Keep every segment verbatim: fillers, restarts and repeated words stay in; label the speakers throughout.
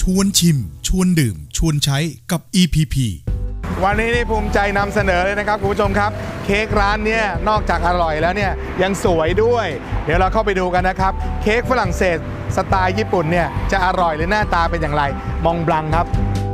Speaker 1: ชวนชิมชวนดื่มชวนใช้กับ อี พี พี
Speaker 2: วันนี้นี่ภูมิใจนำเสนอเลยนะครับคุณผู้ชมครับเค้กร้านเนี่ยนอกจากอร่อยแล้วเนี่ยยังสวยด้วยเดี๋ยวเราเข้าไปดูกันนะครับเค้กฝรั่งเศสสไตล์ญี่ปุ่นเนี่ยจะอร่อยหรือหน้าตาเป็นอย่างไรมองบลังครับ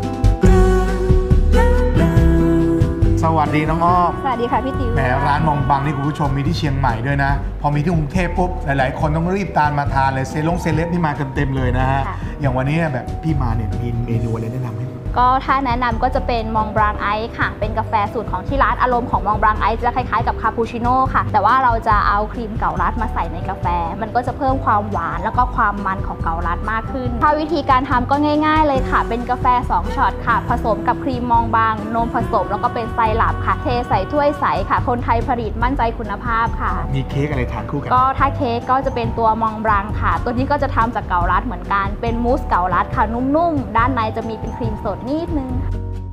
Speaker 2: สวัสดีน้องอ้อม
Speaker 3: สวัสดีค่ะพี่ติ๋ว
Speaker 2: แหมร้านมองบังนี่คุณผู้ชมมีที่เชียงใหม่ด้วยนะพอมีที่กรุงเทพปุ๊บหลายๆคนต้องรีบตามมาทานเลยเซลงเซเลบนี่มาเต็มๆเลยนะฮะอย่างวันนี้แบบพี่มาเนี่ยมีเมนูอะไรแนะนำให้
Speaker 3: ก็ถ้าแนะนำก็จะเป็นมองบลังไอซ์ค่ะเป็นกาแฟสูตรของที่ร้านอารมณ์ของมองบลังไอซ์จะคล้ายๆกับคาปูชิโน่ค่ะแต่ว่าเราจะเอาครีมเกาลัดมาใส่ในกาแฟมันก็จะเพิ่มความหวานแล้วก็ความมันของเกาลัดมากขึ้นถ้าวิธีการทำก็ง่ายๆเลยค่ะเป็นกาแฟสองช็อตค่ะผสมกับครีมมองบลังนมผสมแล้วก็เป็นไซรัปค่ะเทใส่ถ้วยใสค่ะคนไทยผลิตมั่นใจคุณภาพค่ะ
Speaker 2: มีเค้กอะไรทานคู่กัน
Speaker 3: ก็ถ้าเค้กก็จะเป็นตัวมองบลังค่ะตัวนี้ก็จะทำจากเกาลัดเหมือนกันเป็นมูสเกาลัดค่ะนุ่มๆด้านในจะมีเป็นครีมสดนิดนึง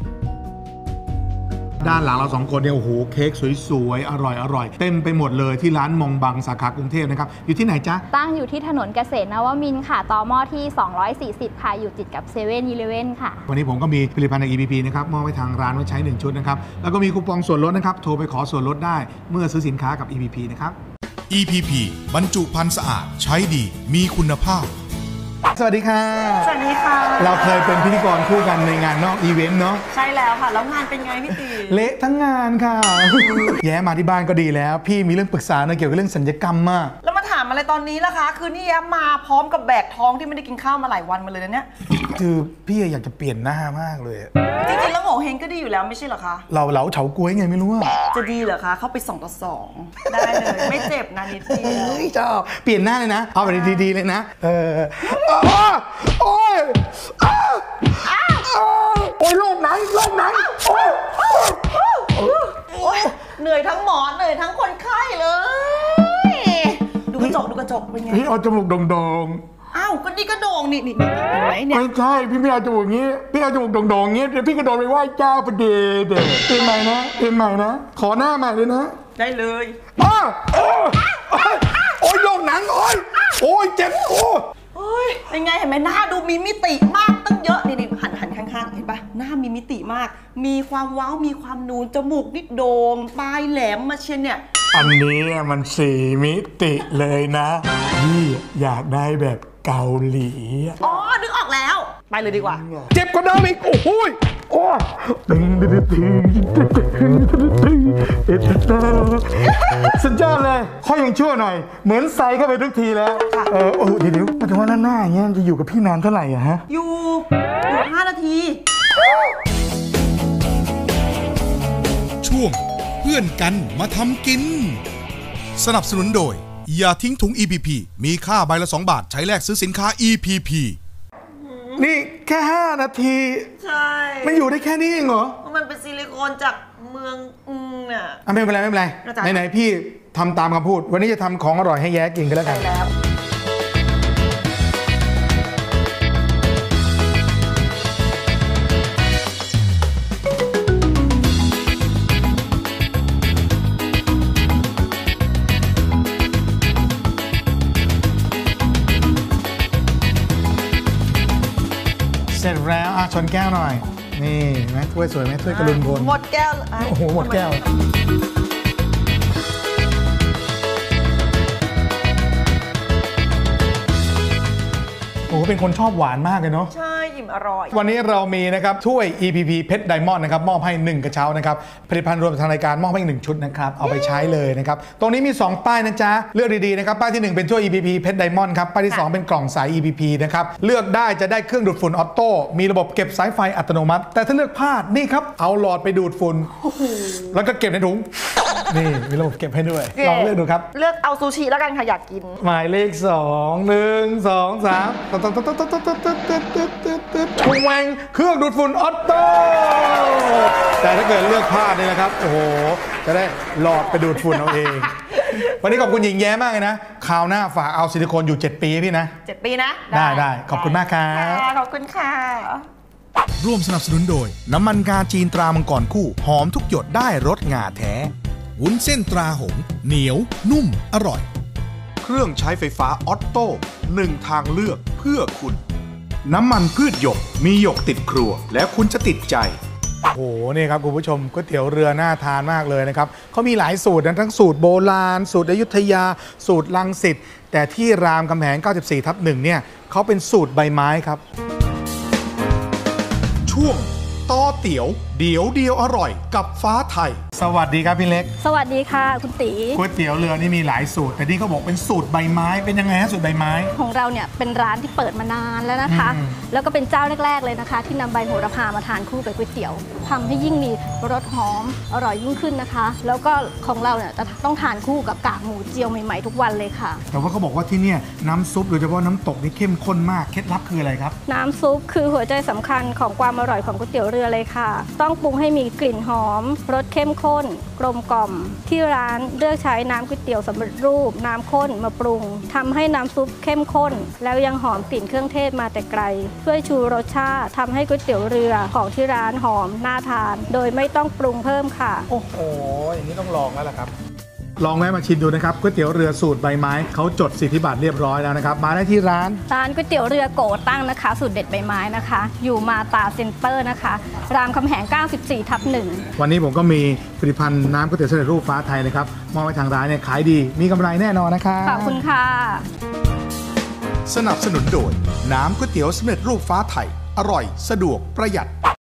Speaker 2: ด้านหลังเราสองคนเนี่ยโอ้โหเค้กสวยๆอร่อยอร่อยเต็มไปหมดเลยที่ร้านมองบังสาขากรุงเทพนะครับอยู่ที่ไหนจ๊ะ
Speaker 3: ตั้งอยู่ที่ถนนเกษตรนวมินทร์ค่ะต่อหม้อที่สองร้อยสี่สิบค่ะอยู่ติดกับเซเว่นอีเลฟเว่นค่ะ
Speaker 2: วันนี้ผมก็มีผลิตภัณฑ์ใน อี พี พี นะครับมอบให้ทางร้านไว้ใช้หนึ่งชุดนะครับแล้วก็มีคูปองส่วนลดนะครับโทรไปขอส่วนลดได้เมื่อซื้อสินค้ากับ อี พี พี นะครับ
Speaker 1: อี พี พี บรรจุภัณฑ์สะอาดใช้ดีมีคุณภาพ
Speaker 2: สวัสดีค่ะ
Speaker 4: สวัสดีค่ะ
Speaker 2: เราเคยเป็นพิธีกรคู่กันในงานนอกอีเวนต์เนาะ
Speaker 4: ใช่แล้วค่ะแล้วงานเป็นไงพี่ตี
Speaker 2: เละทั้งงานค่ะ แย้มาที่บ้านก็ดีแล้วพี่มีเรื่องปรึกษาเกี่ยวกับเรื่องสัญญกรรมมาก
Speaker 4: แล้วมาถามอะไรตอนนี้ล่ะคะคือนี่แย้มาพร้อมกับแบกท้องที่ไม่ได้กินข้าวมาหลายวันมาเลยนะเนี่ย
Speaker 2: คือพี่อยากจะเปลี่ยนหน้ามากเลย
Speaker 4: จริงๆแล้วโง่เฮงก็ดีอยู่แล้วไม่ใช่เหรอคะ
Speaker 2: เราเหลาเฉาก๊วยไงไม่รู้
Speaker 4: จะดีเหรอคะเข้าไปสองต่อสองได้เลยไม่เจ็บนะนิดเดียว
Speaker 2: ชอบเปลี่ยนหน้าเลยนะเอาไปดีๆเลยนะเออโอ้ยโอ้ยโรคไหนโรคไหนโอ้
Speaker 4: ยเหนื่อยทั้งหมอเหนื่อยทั้งคนไข้เลยดูกระจกดูกระจกเป็นไง
Speaker 2: พี่เอาจมูกโด่ง
Speaker 4: ๆอ้าวก็นี่ก็โด่งนี่นี่เห็นไหมเนี่ย
Speaker 2: ไม่ใช่พี่ไม่เอาจมูกอย่างนี้พี่เอาจมูกโด่งๆอย่างนี้เดี๋ยวพี่กระโดดไปไหว้เจ้าประเดี๋ยวเดี๋ยวเป็นใหม่นะเป็นใหม่นะขอหน้าใหม่เลยนะ
Speaker 4: ได้เลย
Speaker 2: อ้าวโอ้ยโรคหนังโอ้ยโอ้ยเจ็บโอ้
Speaker 4: โอ้ยเป็นไงเห็นไหมหน้าดูมีมิติมากตั้งเยอะนี่นี่หันหันข้างๆเห็นปะหน้ามีมิติมากมีความว้าวมีความนูนจมูกนิดโด่งปลายแหลมมาเชียนเนี่ย
Speaker 2: อันนี้มันสี่มิติเลยนะพี่อยากได้แบบเกาหลี
Speaker 4: อ๋อนึกออกแล้วไปเลยดีกว่า
Speaker 2: เจ็บกว่าเดิมอีกโอ้โหโอ้ตึงตึงตึงตึงตึงสุดยอดเลยค่อยยังชั่วหน่อยเหมือนใส่เข้าไปทุกทีแล้วเออโอ้เดี๋ยวเดี๋ยวมาถึงว่าหน้าอย่างเงี้ยจะอยู่กับพี่นานเท่าไหร่อะฮะ
Speaker 4: อยู่อยู่ห้านาที
Speaker 1: ช่วงเพื่อนกันมาทำกินสนับสนุนโดยอย่าทิ้งถุง อี พี พี มีค่าใบละสองบาทใช้แลกซื้อสินค้า อี พี พี
Speaker 2: นี่แค่ห้านาที
Speaker 4: ใช่
Speaker 2: มันอยู่ได้แค่นี้เองเหรอ
Speaker 4: มันเป็นซิลิโคนจากเมืองอืมเนี่ย
Speaker 2: ไม่เป็นไรไม่เป็นไรไหนๆพี่ทำตามคำพูดวันนี้จะทำของอร่อยให้แย้กินกันแล้วกันเสร็จแล้วอ่ะชนแก้วหน่อยนี่ไหมถ้วยสวยไหมถ้วยกระลุนพล
Speaker 4: หมดแก้ว
Speaker 2: โอ้โหหมดแก้วโอ้เป็นคนชอบหวานมากเลยเนาะ
Speaker 4: ใช่อิ่มอร่อย
Speaker 2: วันนี้เรามีนะครับถ้วย อี พี พี เพชรไดมอนด์นะครับมอบให้หนึ่งกระเช้านะครับผลิตภัณฑ์รวมทางรายการมอบให้หนึ่งชุดนะครับเอาไปใช้เลยนะครับตรงนี้มีสองป้ายนะจ๊ะเลือกดีๆนะครับป้ายที่หนึ่งเป็นถ้วย อี พี พี เพชรไดมอนด์ครับป้ายที่สองเป็นกล่องสาย อี พี พี นะครับเลือกได้จะได้เครื่องดูดฝุ่นออโต้มีระบบเก็บสายไฟอัตโนมัติแต่ถ้าเลือกพลาดนี่ครับเอาหลอดไปดูดฝุ่นแล้วก็เก็บในถุงนี่มีระบบเก็บให้ด้วยลองเลือกดูครับ
Speaker 4: เลือกเอาซูชิแล้วกันค่ะอยากกิน
Speaker 2: หมายเลขสองหนึ่งสองสามตึ๊ดตึ๊ดตึ๊ดตึ๊ดตึ๊ดตึ๊ดตึ๊ดตึ๊ดตึ๊ดตึ๊ดชงแวงเครื่องดูดฝุ่นออโต้แต่ถ้าเกิดเลือกพลาดนี่นะครับโอ้โหจะได้หลอดไปดูดฝุ่นเอาเองวันนี้ขอบคุณหญิงแย้มากเลยนะคราวหน้าฝากเอาซิลิโคนอยู่เจ็ดปีพี่นะ
Speaker 4: เจ็ดปีนะ
Speaker 2: ได้ได้ขอบคุณมากครับ
Speaker 4: ขอบคุณค่ะ
Speaker 1: ร่วมสนับสนุนโดยน้ำมันงาจีนตรามังกรคู่หอมทุกหยดได้รสงาแท้วุ้นเส้นตราหงเหนียวนุ่มอร่อยเครื่องใช้ไฟฟ้าออตโต้หนึ่งทางเลือกเพื่อคุณน้ำมันพืชหยกมีหยกติดครัวแล้วคุณจะติดใจ
Speaker 2: โอ้โหนี่ครับคุณผู้ชมก๋วยเตี๋ยวเรือน่าทานมากเลยนะครับเขามีหลายสูตรนะทั้งสูตรโบราณ สูตรอยุธยา สูตรรังสิตแต่ที่รามคำแหง เก้าสิบสี่ทับหนึ่งเนี่ยเขาเป็นสูตรใบไม้ครับ
Speaker 1: ช่วงต่อเตี๋ยวเดี๋ยวเดียวอร่อยกับฟ้าไทย
Speaker 2: สวัสดีครับพี่เล็ก
Speaker 3: สวัสดีค่ะคุณตี
Speaker 2: ก๋วยเตี๋ยวเรือนี่มีหลายสูตรแต่นี่เขาบอกเป็นสูตรใบไม้เป็นยังไงฮะสูตรใบไม้
Speaker 3: ของเราเนี่ยเป็นร้านที่เปิดมานานแล้วนะคะ
Speaker 2: อืม
Speaker 3: แล้วก็เป็นเจ้าแรกๆเลยนะคะ ที่นำใบโหระพามาทานคู่กับก๋วยเตี๋ยวทำให้ยิ่งมีรสหอมอร่อยยิ่งขึ้นนะคะ แล้วก็ของเราเนี่ยจะต้องทานคู่กับกากหมูเจียวใหม่ๆทุกวันเลยค่ะ
Speaker 2: แต่ว่าเขาบอกว่าที่เนี่ยน้ำซุปโดยเฉพาะน้ำตกนี่เข้มข้นมากเคล็ดลับคืออะไรครับ
Speaker 3: น้ำซุปคือหัวใจสำคัญของความอร่อยของก๋วยเตี๋ยวเรือเลยค่ะ ต้องปรุงให้มีกลิ่นหอมรสเข้มข้นกลมกล่อมที่ร้านเลือกใช้น้ำก๋วยเตี๋ยวสำเร็จรูปน้ำข้นมาปรุงทำให้น้ำซุปเข้มข้น แล้วยังหอมกลิ่นเครื่องเทศมาแต่ไกลช่วยชูรสชาติทำให้ก๋วยเตี๋ยวเรือของที่ร้านหอมน่าทาน โดยไม่ต้องปรุงเพิ่มค่ะ
Speaker 2: โอ้โหอย่างนี้ต้องลองแล้วล่ะครับลองแวะมาชิมดูนะครับก๋วยเตี๋ยวเรือสูตรใบไม้เขาจดสิทธิบัตรเรียบร้อยแล้วนะครับมาได้ที่ร้าน
Speaker 3: ร้านก๋วยเตี๋ยวเรือโกตั้งนะคะ สูตรเด็ดใบไม้นะคะ อยู่มาตาเซ็นเตอร์นะคะ รามคำแหง เก้าสิบสี่ทับหนึ่ง
Speaker 2: วันนี้ผมก็มีผลิตภัณฑ์น้ำก๋วยเตี๋ยวสำเร็จรูปฟ้าไทยนะครับมอบให้ทางร้านเนี่ยขายดีมีกำไรแน่นอนนะครับ
Speaker 3: ขอบคุณค่ะ
Speaker 1: สนับสนุนโดยน้ำก๋วยเตี๋ยวสำเร็จรูปฟ้าไทยอร่อยสะดวกประหยัด